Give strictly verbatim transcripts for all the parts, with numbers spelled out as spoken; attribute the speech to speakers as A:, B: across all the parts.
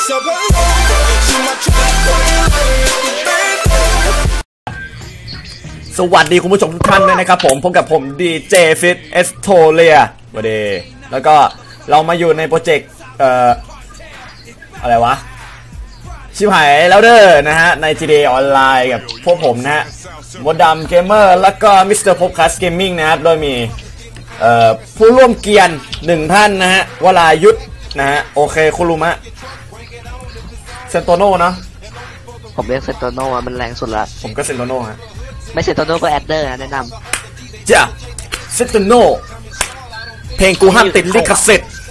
A: สวัสดีคุณผู้ชมทุกท่านด้วยนะครับผมพบกับผมดีเจฟิตเอสโทเลียวันเดย์แล้วก็เรามาอยู่ในโปรเจกต์เอ่ออะไรวะชิบหายแล้วเด้อนะฮะใน จี ดี เอ ออนไลน์กับพวกผมนะฮะมดดำเกมเมอร์แล้วก็มิสเตอร์พบคัสเกมมิ่งนะครับโดยมีเอ่อผู้ร่วมเกียร์หนึ่งท่านนะฮะวรายุทธนะฮะโอเคคุรุมะเซนโตโน่เนาะ
B: ผมเรียกเซนโตโน่มันแรงสุดละ
A: ผมก็เซนโตโน่ฮะ
B: ไม่เซนโตโน่ก็แอดเดอร์นะแนะน
A: ำจ้ะเซนโตโน่เพลงกูห้ามติดลิขสิทธิ์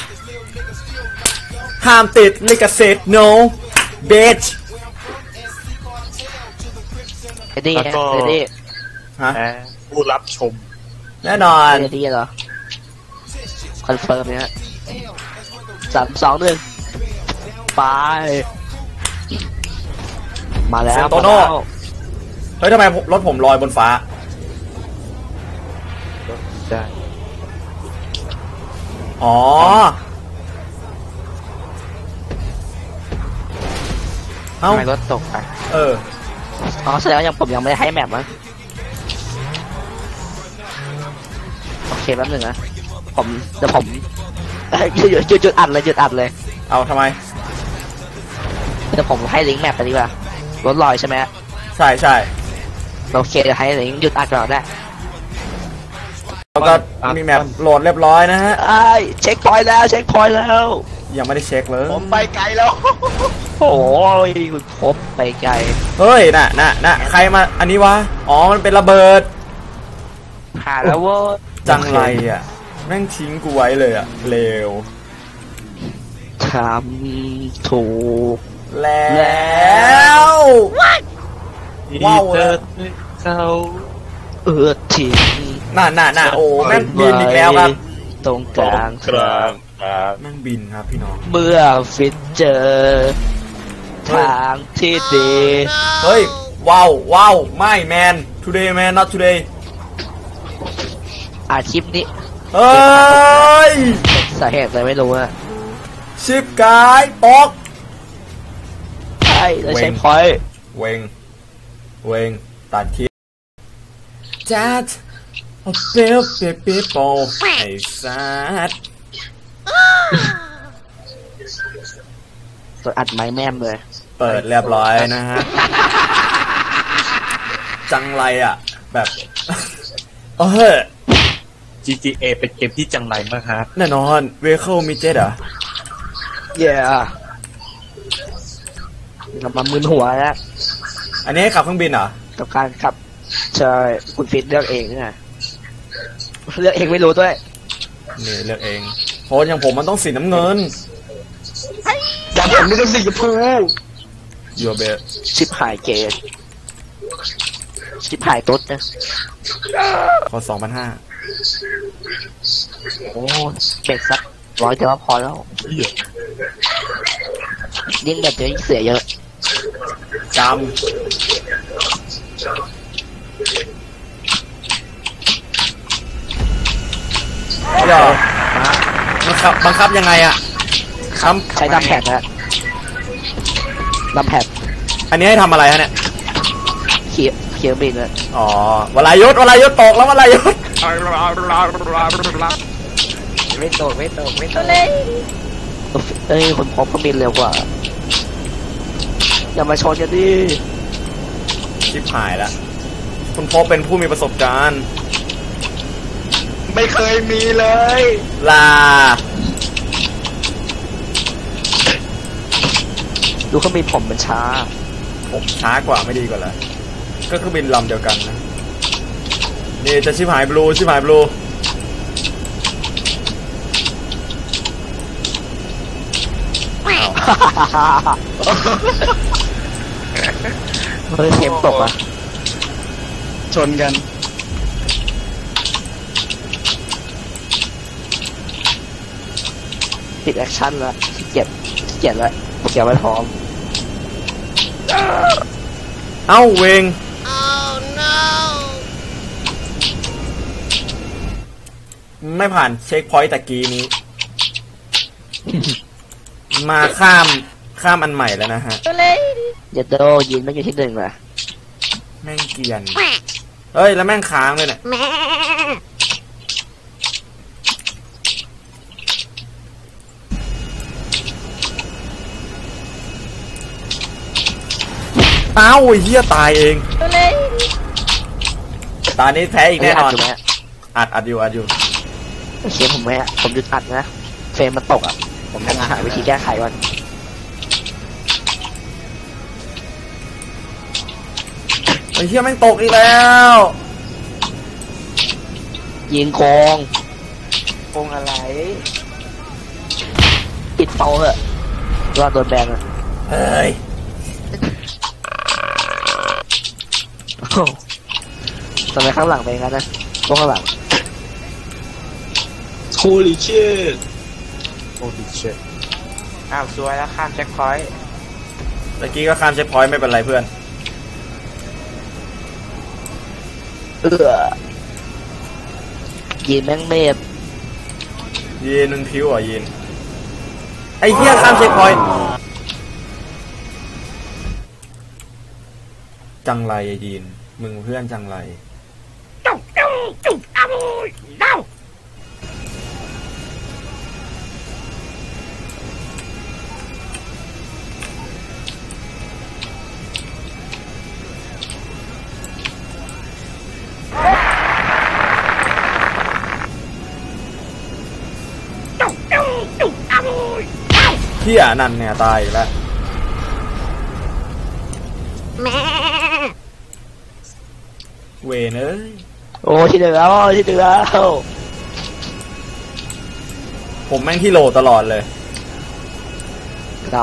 A: ห้ามติดลิขสิทธิ์ no bitch
B: เอ็ดดี้เอ็ดดี้
A: ฮะ
C: ผู้รับชม
A: แน่นอน
B: เอ็ดดี้เหรอคอนเฟิร์มเนี่ยสามสองหนึ่งไปมาแล้ว
A: เซนโตโน่เฮ้ยทำไมรถผมลอยบนฟ้า
C: ได้
A: อ๋อเอ้า
B: ทำไมรถตกอ่ะ
A: เออ
B: อ๋อแสดงว่ายังผมยังไม่ได้ให้แมปมั้งโอเคแป๊บหนึ่งนะผมเดี๋ยวผมหยุดหยุดหยุดอัดเลยหยุดอัดเลย
A: เอาทำไม
B: เดี๋ยวผมให้ลิงก์แมปไปดีกว่ารถลอยใช่ไหม
A: ใช่ใช่
B: โอเคเดี๋ยวให้ลิงก์หยุดอัดก่อนได้
A: แล้วก็มีแมปโหลดเรียบร้อยนะฮะ
B: ไอ้เช็คพอยต์แล้วเช็คพอยต์แล้ว
A: ยังไม่ได้เช็คเลย
C: ผมไปไกลแล้ว
B: โอ้ยคุณพบไปไกล
A: เฮ้ยน่ะน่ะน่ะใครมาอันนี้วะอ๋อมันเป็นระเบิด
B: ผ่านแล้วเว้ย
A: จังไรอ่ะแม่งทิ้งกูไว้เลยอ่ะเร็ว
B: ทำถูก
A: แล้วว้าว
C: เขา
B: เออทิ้ง
A: น่ะน่ะน่ะโอ้แม่งบินอีกแล้วครับ
B: ตรงกลาง
C: กลาง
A: แม่งบินครับพี่น้อง
B: เมื่อฟิตเจอทางที่ดี
A: เฮ้ยว้าวว้าวไม่แมน today man not today
B: อาชีพนี้
A: เฮ้ย
B: สาเหตุอะไรไม่รู้อะ
A: ชิปกายตก
B: ใช่แล้วใช้พอยต์
A: เวงเวงตัดคลิปจัดเอาเปรี้ยวเปรี้ยวเปรี้ยวไอ้สัส
B: ตัวอัดไม้แม่มเลย
A: เปิดเรียบร้อยนะฮะจังไรอ่ะแบบเออ
C: จี ที เอ เป็นเกมที่จังไรมากฮะ
A: แน่นอนเวเคิลมีเจ็ดอ่ะ
B: เย่กลับมามึนหัวแล้ว
A: อันนี้ขับเครื่องบินเหรอ
B: กับการขับใช่คุณฟิตเลือกเองนี่ไงเลือกเองไม่รู้ด้วย
A: นี่เลือกเองเพราะอย่างผมมันต้องสีน้ำเงิน
B: อย่างผมไม่ต้องสีชมพู
A: ยูเบะ
B: ชิปหายเกตชิปหายตุ๊ดนะ
A: พอสองพันห้า
B: โอ้เบรกสักร้อยแต่ว่าพอแล้วยิ่งแบบเยอะยิ่งเสียเยอะ
A: จำเดี๋ยวบังคับบังคับยังไงอะ
B: ครับใช้ดับแพดนะดับแพด
A: อันนี้ให้ทำอะไรฮะเนี่ย
B: เขียเขียบินเลย
A: อ๋อวรายุทธวรายุทธตกแล้ววรายุทธ
B: ไม่ตกไม่ตกไม่ตกเลยเอ้ยคนพบเขาบินเร็วกว่าอย่ามาชนกันดิ
A: ชิบหายแล้วคุณพบเป็นผู้มีประสบการณ์
C: ไม่เคยมีเลย
A: ลา
B: ดูเขาบินผมมันช้า
A: ผมช้ากว่าไม่ดีกว่าเลยก็คือบินลำเดียวกันนะนี่จะชิบหายบลูชิบหายบลู
B: เฮ้ยเข็มตกอ่ะ
C: ชนกัน
B: ปิดแอคชั่นแล้วเก็บเก็บแล้วเก็บไว้พร้อม
A: เอ้าเวง
D: oh, no.
A: ไม่ผ่านเช็คพอยต์ตะกี้นี้ มาข้ามข้ามอันใหม่แล้วนะฮะ
B: เยดโดยินไม่อยู่ที่หนึ่งว่ะ
A: แม่งเกรียนเฮ้ยแล้วแม่งค้างเลยเนี่ยเอ้าไอ้เหี้ยตายเองตอนนี้แพ้อีกแน่นอนอัดอัดอยู่อัดอยู่
B: โอเคผมไม่ผมหยุดอัดนะเฟรมมันตกอ่ะผมจะหาวิธีแก้ไขก่อน
A: ไอ้เหี้ยแม่งตกอีกแล้ว
B: ยิงโกงโกงอะไรปิดเตาเหอะรอดโดนแบนอ่ะ
A: เฮ้ย
B: ทำไมข้างหลังเป็นงั้นนะตรงข้างหลัง
C: Holy shit
D: Holy shit
C: อ้าวสวยแล้วข้ามเช็คพอยต์
A: ตะกี้ก็ข้ามเช็คพอยต์ไม่เป็นไรเพื่อน
B: เออยินแม่งเมฟ
A: ยีนมึงพิ้วเหรอ่ะยีนไอ้เหี้ยข้ามเช็คพอยต์จังไรไอ้ยีนมึงเพื่อนจังไรเหี้ยนั่นเนี่ยตายอีกแล้วเวนเอ้ย
B: โอ้ที่เดือแล้วที่เดือแล้ว
A: ผมแม่งที่โหลตลอดเลย
B: ด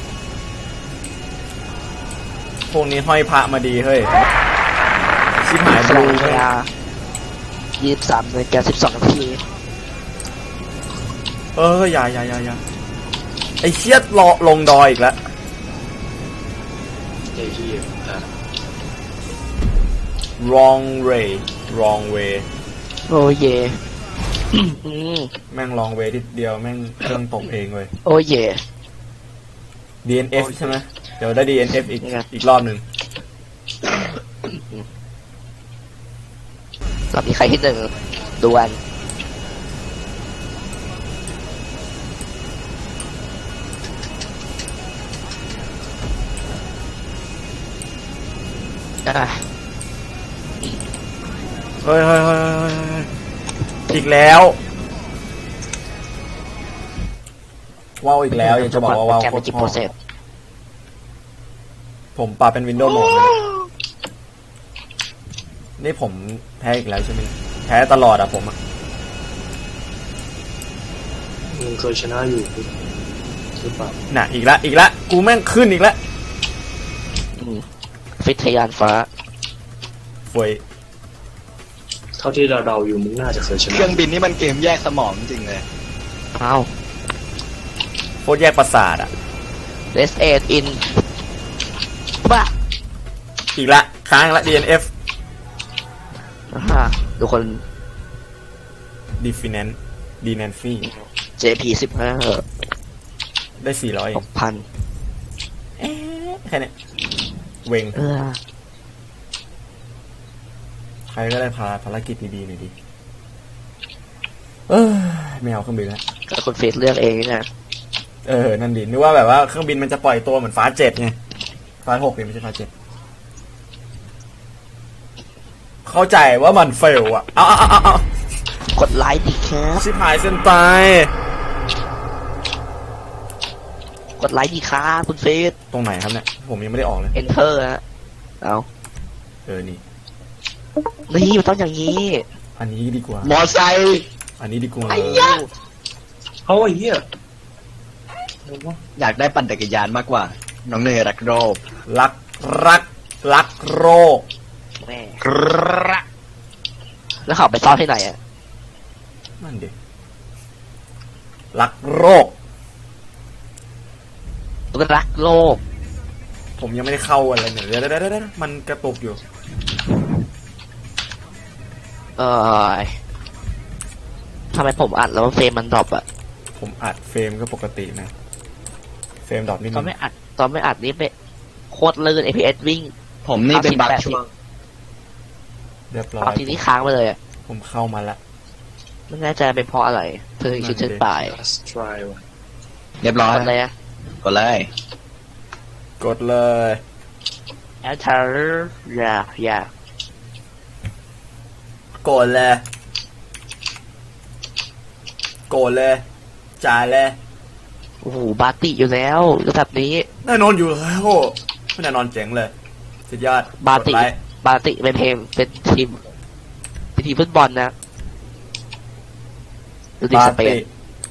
A: พวกนี้ห้อยพระมาดีเฮ้ยชิบหาย
B: ำ
A: บ
B: ส
A: ลู
B: ลายเวลายี่สิบสามนาฬิกาสิบสองนาที
A: เอออย่าอย่าอย่าอย่าไอ้เชี่ยรอลงดอยอีกแล้ว
C: ไอ้เหี้ยอ่ะ
A: wrong way wrong way
B: โอ้เย่อืม
A: แม่ง wrong way ทีเดียวแม่งเครื่องตกเองเลย
B: โอ้เย่
A: ดี เอ็น เอฟ ใช่ไหมเดี๋ยวได้ ดี เอ็น เอฟ อีก
B: นี่ไง
A: อีกรอบหนึ่ง
B: เรามีใครที่หนึ่งดวนอ่ะ
A: เฮ้ยเฮ้ยเฮ้ยเฮ้ยเฮ้ยเฮ้ยอีกแล้วว้าวอีกแล้วอยากจะบอกว่าว้าว
B: แก
A: โค
B: ไม่
A: ต
B: จิบ
A: ร
B: โปรเซส
A: ผมปรับเป็นวินโดว์โหมดเลยนี่ผมแพ้อีกแล้วใช่ไหมแพ้ตลอดอะผมอะ
D: มึงเคยชนะอยู่หรือเปล่า
A: น่ะอีกแล้วอีกแล้วกูแม่งขึ้นอีกแล้ว
B: ฟิทยานฟ้า
A: ฟวย
D: เท่าที่เราเดาอยู่มึงน่าจะเคยช
C: เค
D: นะ
C: รื่องบินนี่มันเกมแยกสมองจริงเลย
B: เอ้า
A: โคตรแยกประสาทอะ
B: เลสเอ็ดอินบ้า
A: อีกละค้างละ ดี เอ็น เอฟ
B: อ่าดูคน
A: Definance d n a n f y
B: เจ พี สิบห้า
A: ได้สี่ร้อย
B: หกพัน
A: เอ๊ะแค่เนี้ยเวง
B: เออ
A: ใครก็ได้พาภารกิจดีๆหน่อยดิเออไม่เอาเครื่องบินแล้ว
B: ก็คนเฟซเลือกเองนะ
A: เออนั่นดินึกว่าแบบว่าเครื่องบินมันจะปล่อยตัวเหมือนฟ้าเจ็ดไงฟ้าหกเนี่ยไม่ใช่ฟ้าเจ็ดเข้าใจว่ามันเฟลอะเอาเอาเอาเอา
B: กดไลค์ดิครับ
A: ชิบหายเส้นตาย
B: กดไลค์ดิครับคุณเฟซ
A: ตรงไหนครับเนี่ยผมยังไม่ได้ออกเลย
B: enter ฮะเอา
A: เออนี่
B: นี่มันต้องอย่างนี้
A: อันนี้ดีกว่า
C: มอไซค์
A: อันนี้ดีกว่า
D: เอาไอ้เหี้ย
C: อยากได้ปั่นจักรยานมากกว่า น้องเนยรักโรบ
A: รักรักรักโรค
B: แม่
C: รัก
B: แล้วเขาไปซ่อนที่ไหนอ่ะ
A: นั่นดิรักโรค
B: รักโลก
A: ผมยังไม่ได้เข้าอะไรเนี่ยเดี๋ยวเดี๋ยวเดี๋ยวเดี๋ยวมันกระตุกอยู่
B: เออทำไมผมอัดแล้วเฟรมมันดรอปอ่ะ
A: ผมอัดเฟรมก็ปกตินะเฟรมดรอปนิด
B: ตอ
A: นึ
B: น
A: ง
B: ไม่อัดตอนไม่อัดนี่เป็นโคตรลื่น เอ พี เอส วิ่ง
C: ผมนี่เป็นบัก
B: แปดสิบ
C: ช่วง
A: เรียบร้อ
B: เอา
A: ย
B: ทีนี้ค้างไปเลยอะ
A: ผมเข้ามาละ
B: ไม่แน่ใจเป็นเพราะอะไรเธอชุดเชิดป่าย
D: last try ว่ะ
C: เรียบร้อย
B: ทำอะไรอะ
C: กดเลย
A: กดเลย
B: แอลเทอร์อย่าอย่าก
A: ดเลยกดเลยจ่ายเลย
B: โอ้โหบาติอยู่แล้วระดับนี้
A: แน่นอนอยู่แล้วไม่แน่นอนเจ๋งเลยสุดยอด
B: บาติ
A: กดไลค์
B: บาติเป็นเพลงเป็นทีมเป็นทีมฟุตบอลนะดูดิ
A: บา
B: สเป
A: ติ
B: น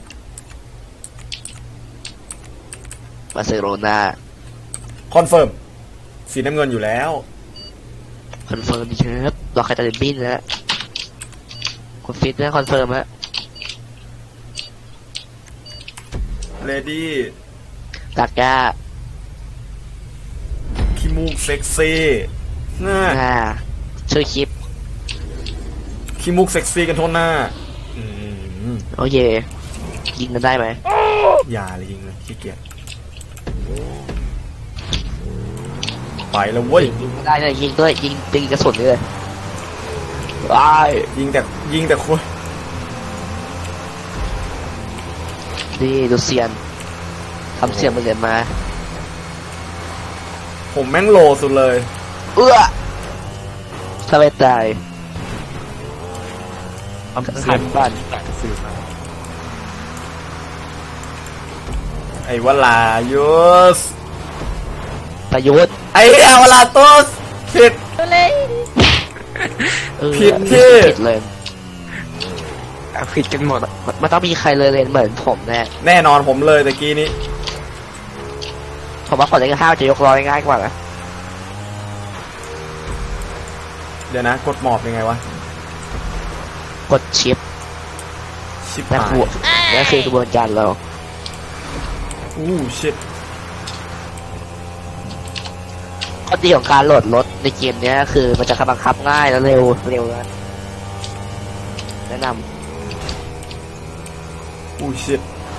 B: บาร์เซโลนา
A: คอนเฟิร์มสีน้ำเงินอยู่แล้ว
B: คอนเฟิร์มเชฟรอใครจะบินนะคุณฟิตนะคอนเฟิร์มฮะ
A: เลดี้
B: ดักก้า
A: ขี้มูกเซ็กซี่น่า
B: อ่าช่วยคลิป
A: ขี้มูกเซ็กซี่กันโทษหน้าอืม
B: โอเคยิงกันได้ไหม
A: อย่าเลยยิงเลยขี้เกียจไปแล้วเว้ย
B: ยิงไม่ได้เลยยิงด้วยยิงตีกระสุนเลยว้าย
A: ยิงแต่ยิงแต่คน
B: นี่ดูเซียนทำเสียงมันเรียนมา
A: ผมแม่งโลสุดเลย
B: เอื้อถ้าไม่ตายทำเสียงบ้าน
A: ไอ้วลายุส
B: ประยุทธ์
A: ไอ้เหี้ยวลาตุสผิด
B: เออ
A: ผิดที่
B: ผิดเลย
C: เอาผิดกันหมด
B: มันมันต้องมีใครเลยเรียนเหมือนผมแน่
A: แน่นอนผมเลยตะกี้นี้
B: ผมว่าคนเล่นห้าวจะยกร้อยง่ายกว่านะ
A: เดี๋ยวนะ กดหมอบยังไงวะ
B: กดชิป
A: ชิบ
B: นั่น
A: หา
B: คื
A: ย
B: อนั่นคือกระบวนการเรา
A: อู้ชิด
B: ข้อดีของการโหลดรถในเกมเนี้ยคือมันจะบังคับง่ายและเร็วเร็วนะแนะน
A: อู้ชิด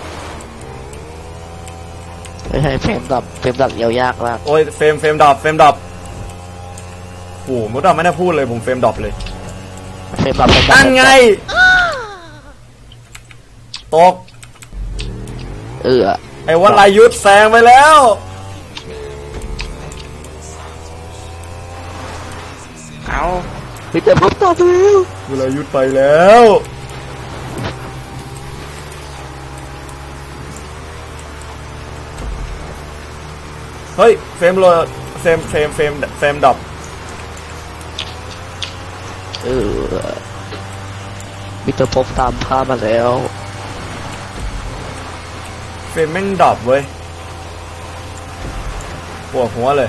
B: ำไม่ใช่เฟรมดับเฟรมดับเยาวยากมาก
A: โอ้ยเฟรมเฟรมดรอปเฟรมดรอปโอ้โหมุดดรอปไม่ได้พูดเลยผมเฟรมดรอปเลย
B: เฟรมดับเฟรมดับ
A: นั่นไงตก
B: เออ
A: ไอ้วลายุทธแซงไปแล้ว
B: เอาพี่เต็มปุ๊บต่อแล้ว
A: วลายุทธไปแล้วเฮ้ยเฟรมโลเฟรมเฟรมเฟรมเฟรมดรอป
B: เออมิสเตอร์พบตามภาพมาแล้ว
A: เฟรมแม่งดรอปเว้ยปวดหัวเลย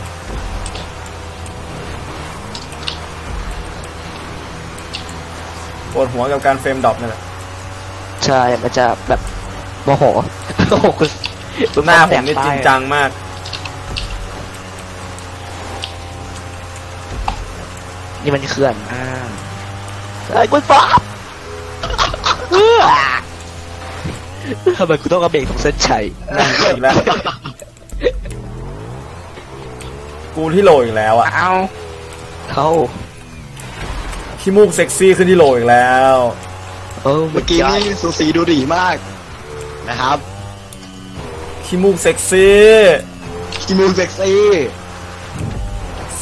A: ปวดหัวกับการเฟรมดรอปนี่แหละ
B: ใช่มันจะแบบโมโหโอ้โหคุณคุณ
A: หน้าผมนี่จริงจังมาก
B: นี่มันเขื่อนอ่าไอ้คุณป๊อปทำไมคุณต้องกระเบรกของเส้นชัย
A: อีกแล้ว กูที่โหลอีกแล้วอ่ะ
B: เอา เขา
A: ขี้มูกเซ็กซี่ขึ้นที่โหลอีกแล้ว
B: เออ
C: เมื่อกี้นี่สูสีดูดีมากนะครับ
A: ขี้มูกเซ็กซี่
C: คิมูเซ็กซี่
A: ซี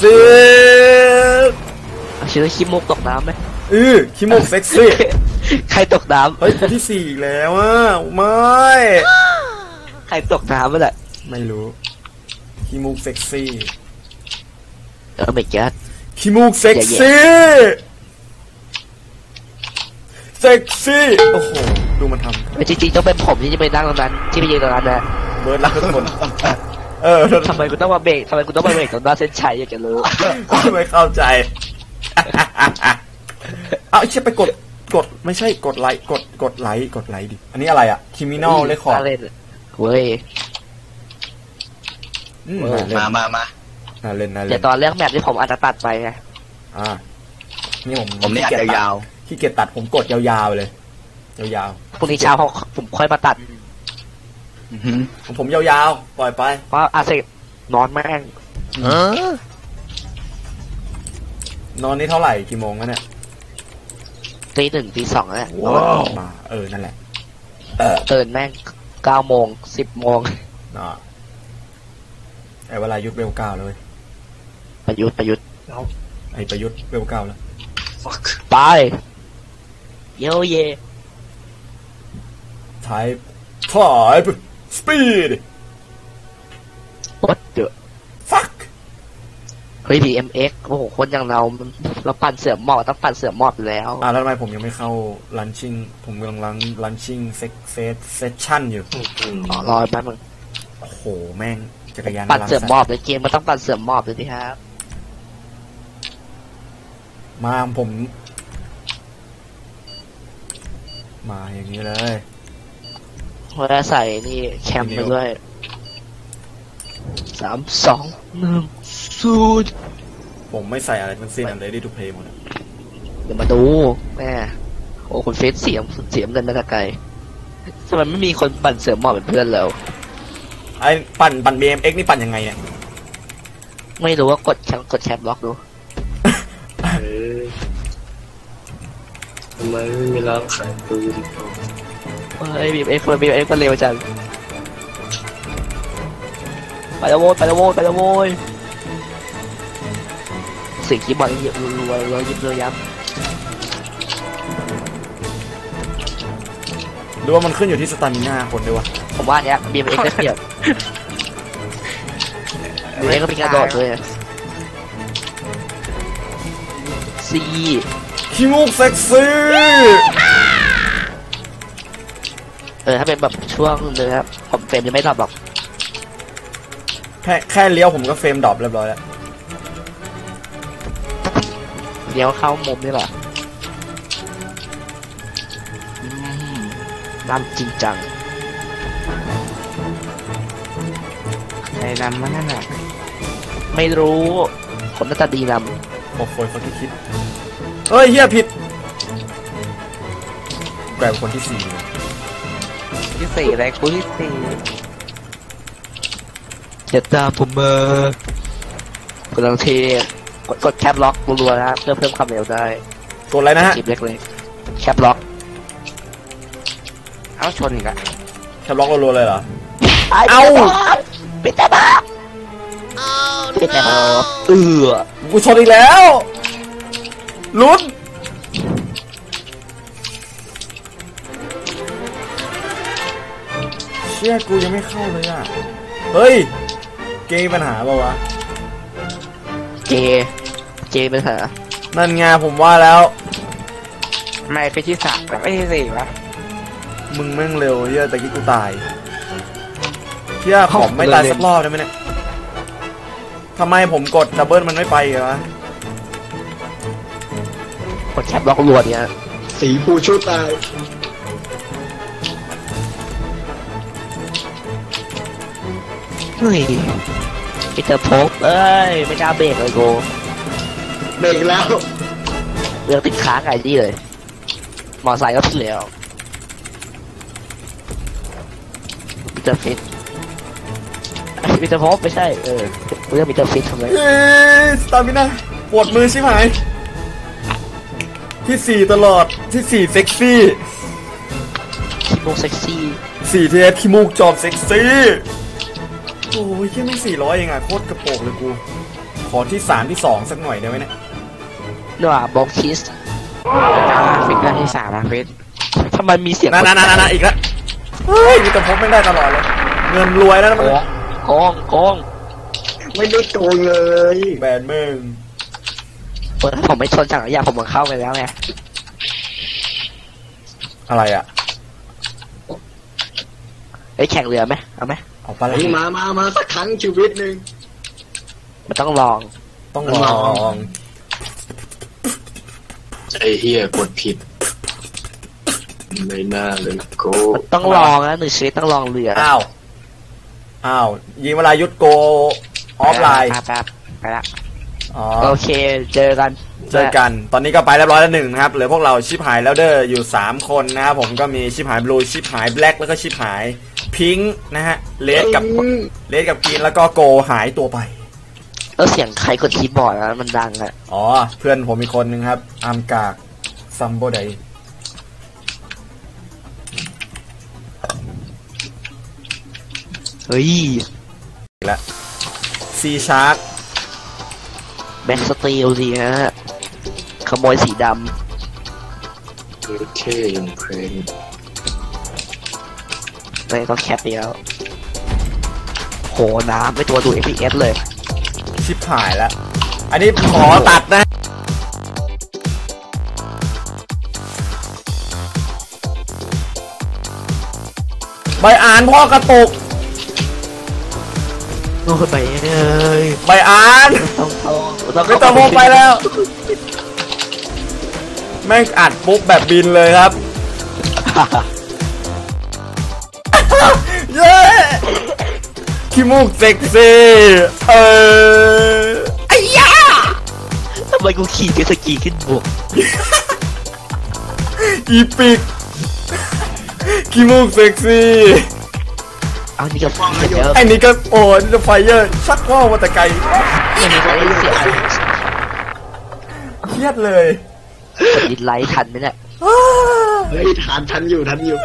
B: เอาชื่อขี้มูกตกน้ำไหม
A: อือขี้มูกเซ็กซี่
B: ใครตกน้ำ
A: เฮ้ยคนที่สี่อีกแล้วอ่ะไม่
B: ใครตกน้ำไม่แหละ
A: ไม่รู้ขี้มูกเซ็กซี่
B: เออไม่แก๊ส
A: ขี้มูกเซ็กซี่เซ็กซี่โอ้โหดูมันทำ
B: จริงๆต้องเป็นผมที่จะไปนั่งตรงนั้นที่ไปยืนตรงนั้นนะ
A: เบิร์ดรักทุกคนเออ
B: ทำไมกูต้องมาเบรกทำไมกูต้องมาเบรกตรงหน้าเส้นชัยอยากจะรู้
A: ไม่เข้าใจ เอาไอ้เชี่ยไปกดกดไม่ใช่กดไลค์กดกดไลค์กดไลค์ดิอันนี้อะไรอ่ะคิมินอลเลคคอร์ด
B: เล่นเว้ย
C: มามามา
A: น่าเล่นน่าเล่น
B: เดี๋ยวตอนเลือกแมปที่ผมอาจจะตัดไปไง
A: อ่านี่ผม
C: ผมนี่อัดยาว
A: ขี้เกียจตัดผมกดยาวๆเลยยาว
B: พรุ่งนี้เช้าเขาผมค่อยมาตัด
A: ๆ
C: อือหือ
A: ของผมยาวๆ ปล่อยไป
B: เพราะอาเซนอนแม่ง
A: นอนนี่เท่าไหร่กี่โมงแล้วเนี่ย
B: ตีหนึ่งตีสองแล้ว
A: มาเออนั่นแหละ เออ
B: ตื่นแม่งเก้าโมงสิบโมง
A: น่ะไอ้เวลายุทธเวลเก้าเลย
B: ประยุทธ์ประยุทธ์
D: เอา
A: ไอ้ประยุทธ์เวลเก้าแล้ว
D: fuck
B: ไปเยเย
A: ท้ายถ่ายสปีด
B: วัดเดอะ
A: ฟัก
B: เฮ้ยดีเอ็มเอ็กโอ้โหคนอย่างเราเราปั่นเสือหมอบต้องปั่นเสือหมอบอยู่แล้ว
A: อ่าแล้วทำไมผมยังไม่เข้าลันชิ่งผมกำลังลันลันชิ่งเซ็กเฟสเซสชั่นอยู่
D: อืม
B: อ๋อรอแป๊บนึง
A: โอ้โห แม่งจักรยาน
B: ปั่นเสือหม
A: รั
B: อบในเกมมันต้องปั่นเสือหมอบเลยที่ครับ
A: มาผม มาอย่างนี้เลย
B: เพราะว่าใส่นี่แคมไปด้วยสามสองหนึ่งศูนย์
A: ผมไม่ใส่อะไรทั้งสิ้นอันเลยดีทูเพย์หมดอะ
B: เดี๋ยวมาดูแม่โอ้คุณเฟซเสียงเสียงเงินมาแต่ไกลทำไมไม่มีคนปั่นเสือหมอบเป็นเพื่อนเรา
A: ไอ้ปั่นปั่น บี เอ็ม เอ็กซ์ นี่ปั่นยังไงเนี่ย
B: ไม่รู้ว่ากดแคปกดแคปล็อกดู
D: เอ้ยทำไมไม่มีร้านขายปืน
B: เฮ้ยบีเอ็กซ์บีเอ็กซ์ก็เร็วจังไปแล้วโว้ยไปแล้วโว้ยไปแล้วโว้ยเสียงคีย์บอร์ดยิบรัวๆรัวยิบเลยยับ
A: หรือว่ามันขึ้นอยู่ที่สตามิน่าคนด้วยวะ
B: ผมว่าเนี้ยบีเอ็กซ์ได้เปรียบบีเอ็กซ์ก็มีกระโดดด้วยซี
A: ขี้มูกเซ็กซี่
B: เออถ้าเป็นแบบช่วงนึงครับผมเฟรมยังไม่ดรอปหรอก
A: แค่แค่เลี้ยวผมก็เฟรมดรอปเรียบร้อยแล้ว
B: เดี๋ยวเข้ามุมนี่แหละอืมน้ำจริงจัง
C: ใครนำมานั่นน่ะ
B: ไม่รู้ผมน่าจะดีน
A: โอ้โหเขาที่คิดเฮ้ยเฮียผิดแกลายเป็นคนที่สี่เลย
C: ที่สี่อะไรกูที่สี่
B: ำอย่าตามผมมากำลังเทกดกดแคปล็อกรัวๆนะครับเพื่อเพิ่มความเร็วได้
A: กดอะไรนะฮะ
B: จีบเล็กๆแคปล็อก
C: เอ้าชนอีกอะ
A: แคปล็อกรัวๆเลยเหรอ
B: เอ้าปิดแต่บ้าปิดแต่บ้าเออ
A: กูชนอีกแล้วลุ้นเชี่ยกูยังไม่เข้าเลยอ่ะเฮ้ยเกมมีปัญหาเปล่าวะ
B: เจเจเป็นเหรอ
A: นั่นไงผมว่าแล้ว
C: ไม่ไปที่สามไม่ที่สี่วะ
A: มึงแม่งเร็วเฮียแต่กี้กูตายเฮียผมไม่ตายสักรอบได้ไหมเนี่ยทำไมผมกดดับเบิลมันไม่ไปวะ
B: กดแคปล็อกรัวเนี่ย
D: สีผู้ชู้ตาย
B: เฮ้ยมิสเตอร์โพกเอ้ยไม่กล้าเบรกเลยโก
D: เบรกแล้ว
B: เรื่องติดค้างไงนี่เลย มอไซค์ก็ขึ้นแล้วมิสเตอร์ฟิตมิสเตอร์โพกไม่ใช่เออเรื่องมิสเตอร์ฟิตทำไม
A: เฮ้ยสตามิน่าปวดมือชิบหายที่สี่ตลอดที่สี่เซ็กซี่
B: คิโมเซ็กซี่
A: สี่เทสขี้มูกจอบเซ็กซี่โอ้ยแค่ไม่สี่ร้อยเองอ่ะโคตรกระโปงเลยกูขอที่สามที่สองสักหน่อยได้ไหมเนี่ย
B: เนื้อบ็อกคิส
C: จ้าฟิกได้ที่สามอะฟิก
B: ทำไมมีเสียง
A: นั่นนั่นนั่นนั่นอีกแล้วเฮ้ยมีแต่พบไม่ได้ตลอดเลยเงินรวยแล้วนะมัน
B: โกงโกง
D: ไม่ได้โกงเลย
A: แบนมึง
B: เออถ้าผมไม่ชนจักรยานผมมันเข้าไปแล้วไง
A: อะไรอ่ะ
B: ไอ้ยแข่งเรือไหมเอาไหม
A: เอาไปแล้ว
D: เฮ้ยมามามาสักครั้งชีวิตหนึ่ง
B: มันต้องลอง
A: ต้องลอง
D: ไอ้เฮียกดผิดไม่น่าเลยโก
B: มันต้องลองนะหนึ่งชีวิตต้องลองเรือ
A: อ้าวอ้าวยิงเวลายุทธโกออฟไลน์
C: แป๊บไปละ
A: อ๋อ
B: โอเคเจอกัน
A: เจอกันตอนนี้ก็ไปเรียบร้อยแล้วหนึ่งนะครับเหลือพวกเราชิปหายแล้วเด้ออยู่สามคนนะครับผมก็มีชิปหายบลูชิปหายแบล็กแล้วก็ชิปหายพิงค์นะฮะเลดกับเลดกับกรีนแล้วก็โกหายตัวไป
B: แล้วเสียงใครกดคีย์บอร์ดนะมันดังอะ
A: อ๋อเพื่อนผมมีคนหนึ่งครับอาร์มกากซัมโบได
B: เฮ้ย
A: และซีชาร์ก
B: แบ็กสตีลสิฮะขโมยสีด
D: โอเคยังเพลง
B: ำเลยก็แคปไปแล้วโหน้ำไม่ตัวดู เอฟ พี เอส เลย
A: ชิบหายแล้วอันนี้ขอตัดนะใบอ่านพ่อกระตุก
B: โอ้ยไปเลย
A: ใบอ่าน
B: ต้องโต
A: ไม่ต้องโมไปแล้วแม่งอัดปุ๊บแบบบินเลยครับเย้ขี้มูกเซ็กซี่เออไอ้ยา
B: ทำไมกูขี่เจตสกีขึ้นบก
A: อีปิกขี้มูกเซ็กซี่
B: เอานี่ก็ฟังเยอะ
A: ไอ้นี่ก็โอ้นี่จะไฟเยอร์ชักว่าวมาแต่ไกลเครียดเลย
B: กดดิสไลค์ทันไหมเนี่ย
C: เฮ้ยทันทันอยู่ทันอยู่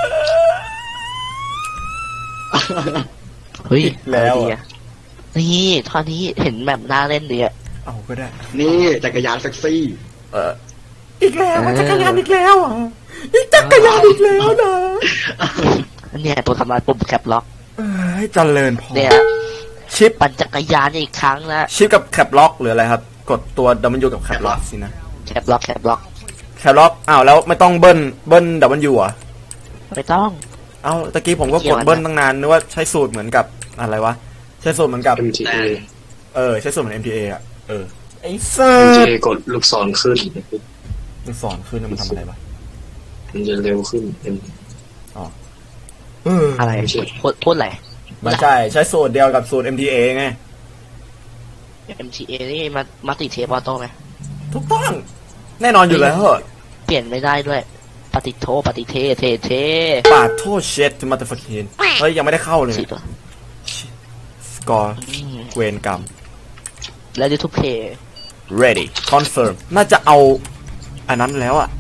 B: เฮ้ยแล้วนี่ท่านี้เห็นแบบน่าเล่นดีอะ
A: เอาก็ได้
C: นี่จักรยานเซ็กซี่
A: เอออีกแล้วจักรยานอีกแล้วอ่ะอีกจักรยานอีกแล้วนะ
B: เนี่ยตัวทำลายปุ่มแคปล็อก
A: เอ้ยเจริญพอ
B: เนี่ยชิปปั่นจักรยานอีกครั้งนะ
A: ชิปกับแคปล็อกหรืออะไรครับกดตัวดับเบิลยูกับแคปล็อกสินะ
B: แคปล็อกแคปล็อก
A: แคปล็อกอ้าวแล้วไม่ต้องเบิ้ลเบิ้ลดับเบิลยูอ่ะ
B: ไม่ต้อง
A: เอ้าตะกี้ผมก็กดเบิ้ลตั้งนานนึกว่าใช้สูตรเหมือนกับอะไรวะใช้สูตรเหมือนกับ
D: เอ็ม ที เอ
A: เออใช้สูตรเหมือน เอ็ม ที เอ อ่ะเออไอ้เซอ
D: เอ็ม ที
A: ร์
D: เอ กดลูกศรขึ้น
A: ลูกศรขึ้นมันทำอะไรวะ
D: มันจะเร็วขึ้น
A: อ๋อ
B: อะไรพูดพูดอะไร
A: ไม่ใช่ใช้สูตรเดียวกับสูตร เอ็ม ที เอ ไง
B: เอ็ม ที เอ นี่มามาติเทปออโต้ไหม
A: ถูกต้องแน่นอนอยู่แล้ว
B: เปลี่ยนไม่ได้ด้วยปฏิโทปฏิเทเทเท
A: ปาโทเชตมาตฟักเคนเฮ้ยยังไม่ได้เข้าเลยสกอร์เวนกรรม
B: แล้วดิทูเพย์
A: ready confirm น่าจะเอาอันนั้นแล้วอ่ะ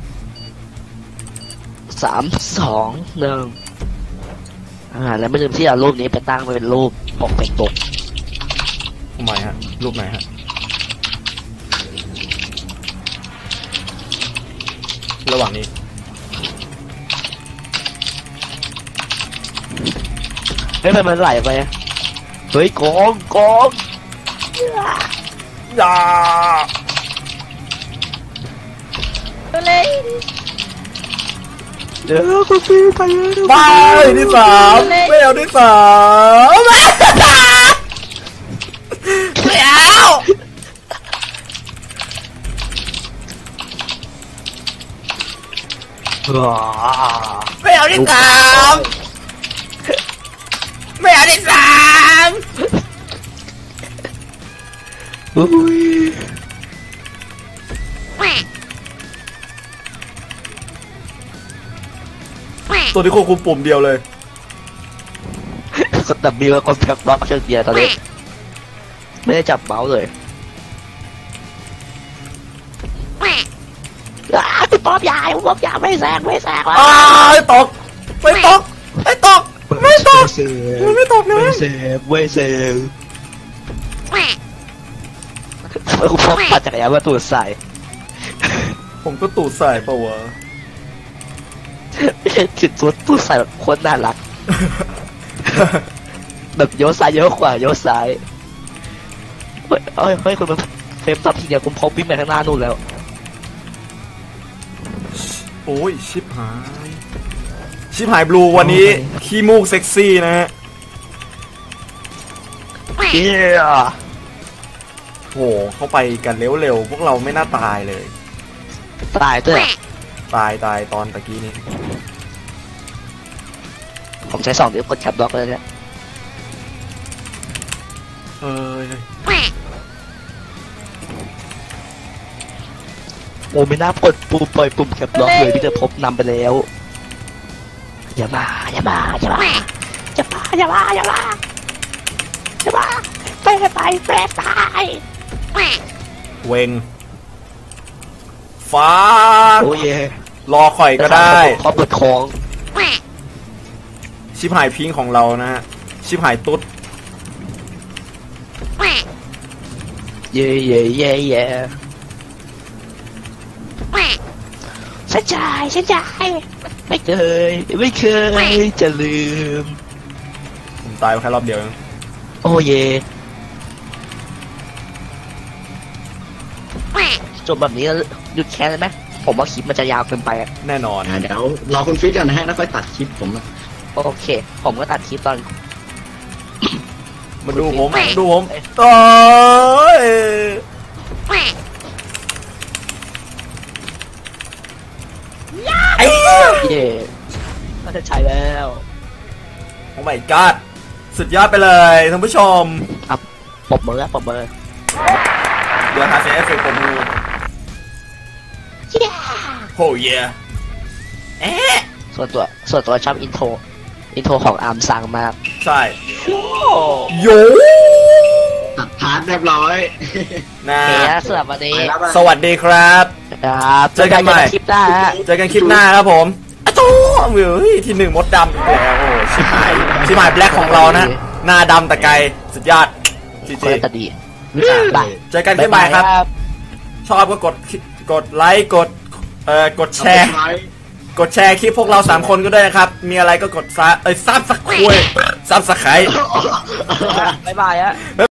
B: สามสองหนึ่งอ่าแล้วไม่ลืมที่เอารูปนี้ไปตั้งเป็นรูปปกเป็นปก
A: ทำไมฮะรูปไหนฮะระหว่างนี้
B: เฮ้ยมันไหลไปเฮ้ยโกงโกง
A: อย่า
B: เลยเดี๋ยวก็ฟีไป
A: ไปที่สามไม่เอาที่สามไม่เอาไม่เอาที่สามไม่เอาที่สาม
B: อุ้ย
A: ตัวที่ควบคุมปุ่มเดียวเลย
B: กดดับเบิลกดแพ็คล็อกเชิงเดียวตอนนี้ไม่ได้จับเมาส์เลยอ้าวป๊อบยายป๊อบยายไม่แซงไม่แซงแล้ว
A: อ้าวตกไม่ตกไม่ตกไม่ตกมันไม่ตกเลย
B: ไม่เซฟไม่เซฟกูพกปัดจักรยานมาตูดใส่
A: ผมก็ตูดใส่ปะวะ
B: จุดตัวตูดใส่แบบโคตรน่ารักแบบโยซ้ายโยขวาโยซ้ายเฮ้ยเฮ้ยเฮ้ยคุณมาเฟรมตัดทีเดียวคุณพบวิ่งไปข้างหน้านู่นแล้ว
A: โอ้ยชิบหายชิบหายบลูวันนี้ขี้มูกเซ็กซี่นะฮะ
B: เย้
A: โหเข้าไปกันเร็วๆพวกเราไม่น่าตายเลย
B: ตายด้วย
A: ตายตายตอนตะกี้นี้
B: ผมใช้สองเดี๋ยวกดแคปบล็อกเลยเนี่ย
A: เออ
B: โอ้ไม่น่ากดปุ่มปล่อยปุ่มแคปล็อกเลยพี่จะพบนำไปแล้วอย่ามาอย่ามาอย่ามาอย่ามาอย่ามาอย่ามาอย่ามาไปไปแปรตาย
A: เวงฟ้า
B: โอ้ย
A: รอข่อยก็ได้
B: ขอเปิดของ
A: ชิบหายพิงของเรานะฮะชิบหายตุ๊ด
B: เย่เย่เย่เย่ฉันจ่ายฉันจ่ายไม่เคยไม่เคยจะลืม
A: ผมตายไปแค่รอบเดียวเอง
B: โอ้เย่จบแบบนี้หยุดแค่เลยไหมผมว่าคลิปมันจะยาวเกินไปอะ
A: แน่นอน
C: อ่ะเดี๋ยวรอคุณฟิตกันนะฮะแล้วค่อยตัดคลิปผมนะ
B: โอเค ผมก็ตัดคลิปตอน
A: มาดูผม
B: ไม่
A: ดูผมโอ้ยไอ้เหี้ย
B: เย่น่าจะใช้แล้ว
A: โอ้ my god สุดยอดไปเลยท่านผู้ชม
B: ครับปบมือปบมือ
A: เดี๋ยวหาเสียงเอฟเฟกต์ผมดูโอ้ยเอ๊ะ
B: ส่วนตัวส่วนตัวชอบอินโทรอินโทรของอาร์มซังมาก
A: ใช่โย
C: ตัดพาร์ทเรียบร้อย
A: นะ
B: โอเคนะสำหรับวันนี้
C: ไปแล้ว
A: สวัสดีครับ
B: ครับ
A: เจอกันใหม่
B: คลิปหน้าฮะ
A: เจอกันคลิปหน้าครับผมอะโต้เฮ้ยที่หนึ่งมดดำอีกแล้วโอ้ชิบหายชิบหายแบล็คของเรานะ หน้าดำแต่ไกลสุดยอดจี
B: คน
A: จี
B: ละตาดีบาย
A: เจอกันคลิปใหม่ครับ ชอบก็กดกดไลค์กดเอ่อกดแชร์ กดแชร์คลิปพวกเราสามคนก็ด้วยนะครับ มีอะไรก็กดซับเอ้ยซับสักคุยซับสักไข่
B: บ๊ายบายฮะ